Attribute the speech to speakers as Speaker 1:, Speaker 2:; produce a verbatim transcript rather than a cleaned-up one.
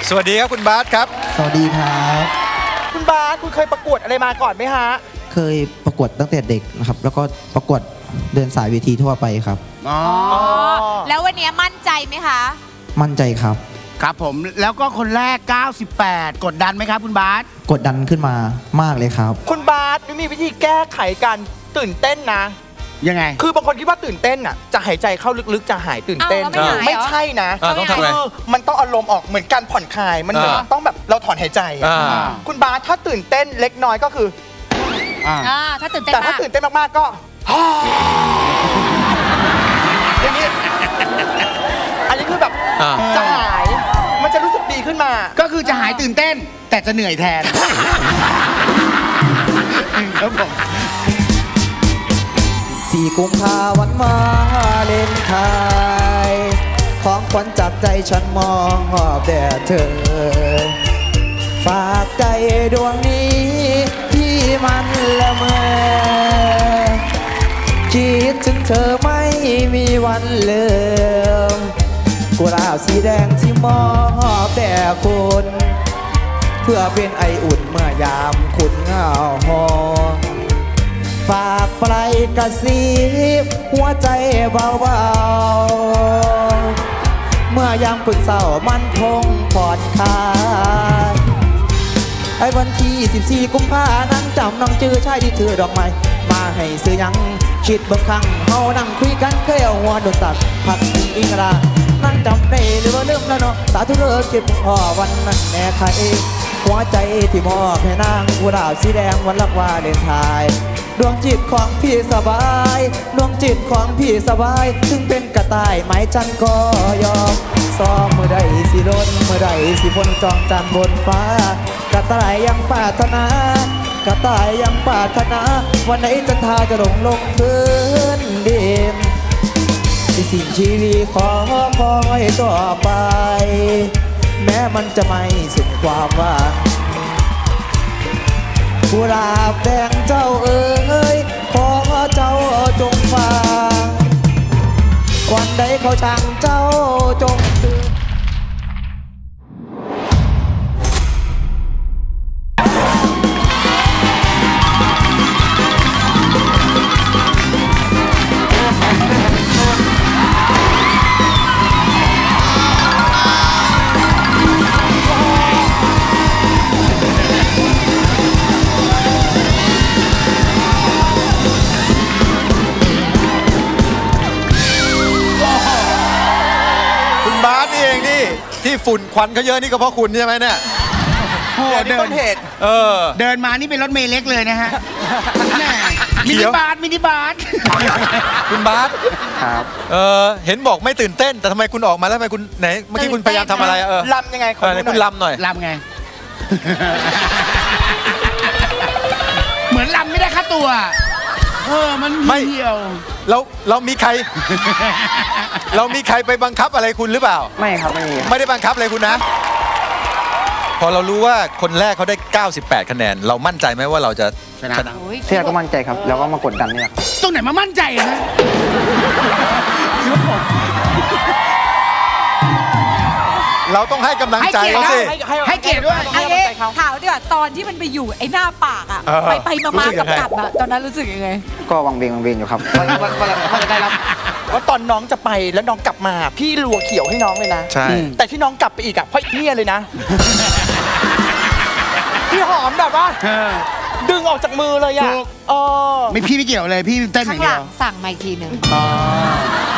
Speaker 1: สวัสดีครับคุณบาสครับ
Speaker 2: สวัสดีครับ
Speaker 3: คุณบาสคุณเคยประกวดอะไรมาก่อนไหมฮะ
Speaker 2: เคยประกวดตั้งแต่เด็กนะครับแล้วก็ประกวดเดินสายเวทีทั่วไปครับ
Speaker 4: อ๋อ
Speaker 5: แล้ววันนี้มั่นใจไหมคะ
Speaker 2: มั่นใจครับ
Speaker 4: ครับผมแล้วก็คนแรกเก้าสิบแปดกดดันไหมครับคุณบาส
Speaker 2: กดดันขึ้นมามากเลยครับ
Speaker 3: คุณบาสมีวิธีแก้ไขการตื่นเต้นนะ
Speaker 4: ยังไง
Speaker 3: คือบางคนคิดว่าตื่นเต้นอ่ะจะหายใจเข้าลึกๆจะหายตื่นเต้นไม่ใช่นะ
Speaker 1: ต้องทำไง
Speaker 3: มันต้องอารมณ์ออกเหมือนการผ่อนคลายมันเหมือนต้องแบบเราถอนหายใจคุณบาสถ้าตื่นเต้นเล็กน้อยก็คือ
Speaker 5: ถ้าตื่นเต้น
Speaker 3: แต่ถ้าตื่นเต้นมากๆก็อย่างนี้อันนี้คือแบบจะหายมันจะรู้สึกดีขึ้นมา
Speaker 4: ก็คือจะหายตื่นเต้นแต่จะเหนื่อยแทนครับผม
Speaker 2: สี่กุมภาวันมาเลนไทยของขวัญจากใจฉันมองหอบแด่เธอฝากใจดวงนี้ที่มันละเมอคิดถึงเธอไม่มีวันลืมกุหลาบสีแดงที่มอบแด่คุณเพื่อเป็นไออุ่นเมื่อยามคุณเหงาหองฝากปลายกระซิบหัวใจเบาๆเมื่อยามคุณเศร้ามันคงผ่อนคลายไอ้วันที่สิบสี่กุมภานั่งจำน้องจื้อชายที่ถือดอกไม้มาให้ซื้อยังคิดบางครั้งเฮานั่งคุยกันเคยเอาหัวโดนตัดพักอิงรานั่งจำได้หรือว่าลืมแล้วเนาะสาธุเลิกเก็บพ่อวันนั้นแม่ใครหัวใจที่มอบให้นางกุหลาบสีแดงวันรักวาเลนไทน์ดวงจิตของพี่สบายดวงจิตของพี่สบายถึงเป็นกระต่ายไม้จันก็ยอมซ้อมเมื่อใดสิล้นเมื่อใดสิพ้นจองจันบนฟ้ากระต่ายยังปรารถนากระต่ายยังปรารถนาวันไหนจันทราจะลงลงพื้นดินที่สิ่งชีวิตขอคอยต่อไปแม้มันจะไม่สุดความหวังกุหลาบแดงเจ้าเอ๋ยขอเจ้าจงฟังวันใดเขาช่างเจ้าจงตื่น
Speaker 1: ที่ฝุ่นควันเขาเยอะนี่ก็เพราะคุณใช่ไหมเนี่ย
Speaker 3: โอ้เดินเหตุ
Speaker 1: เออ
Speaker 4: เดินมานี่เป็นรถเมล์เล็กเลยนะฮะมินิบาสมินิบาส
Speaker 1: คุณบาส
Speaker 2: ครับ
Speaker 1: เออเห็นบอกไม่ตื่นเต้นแต่ทำไมคุณออกมาแล้วทำไมคุณไหนเมื่อกี้คุณพยายามทำอะไรเออ
Speaker 3: ลำยังไง
Speaker 1: คุณลำหน่อย
Speaker 4: ลำไงเหมือนลำไม่ได้ค่าตัวเออมันไม่เหี่ยว
Speaker 1: เราเรามีใครเรามีใครไปบังคับอะไรคุณหรือเปล่า
Speaker 2: ไม่ครับไม่
Speaker 1: ไม่ได้บังคับอะไรคุณนะพอเรารู้ว่าคนแรกเขาได้เก้าสิบแปดคะแนนเรามั่นใจไหมว่าเราจะ
Speaker 4: ชนะ
Speaker 2: เชื่อก็มั่นใจครับแล้วก็มากดดันนี่แหละ
Speaker 4: ตรงไหนมามั่นใจนะ
Speaker 1: เราต้องให้กำลังใจเขาสิ
Speaker 4: ให้เกียรติด้วย
Speaker 5: ถามดีกว่าตอนที่มันไปอยู่ไอ้หน้าปากอ่ะไปไปมาๆกับกับอ่ะตอนนั้นรู้สึกยังไง
Speaker 2: ก็วังเวงวังเวงอยู่ครับ
Speaker 3: ว่าจะได้รับว่าตอนน้องจะไปแล้วน้องกลับมาพี่รัวเขียวให้น้องเลยนะ
Speaker 1: ใช่
Speaker 3: แต่ที่น้องกลับไปอีกอ่ะเพราะเนี่ยเลยนะพี่หอมแบบว่าดึงออกจากมือเลยอ่ะ
Speaker 4: ไม่พี่ไม่เกี่ยวเลยพี่เต้นอย่างเดียว
Speaker 5: สั่งมาอีกทีหนึ่ง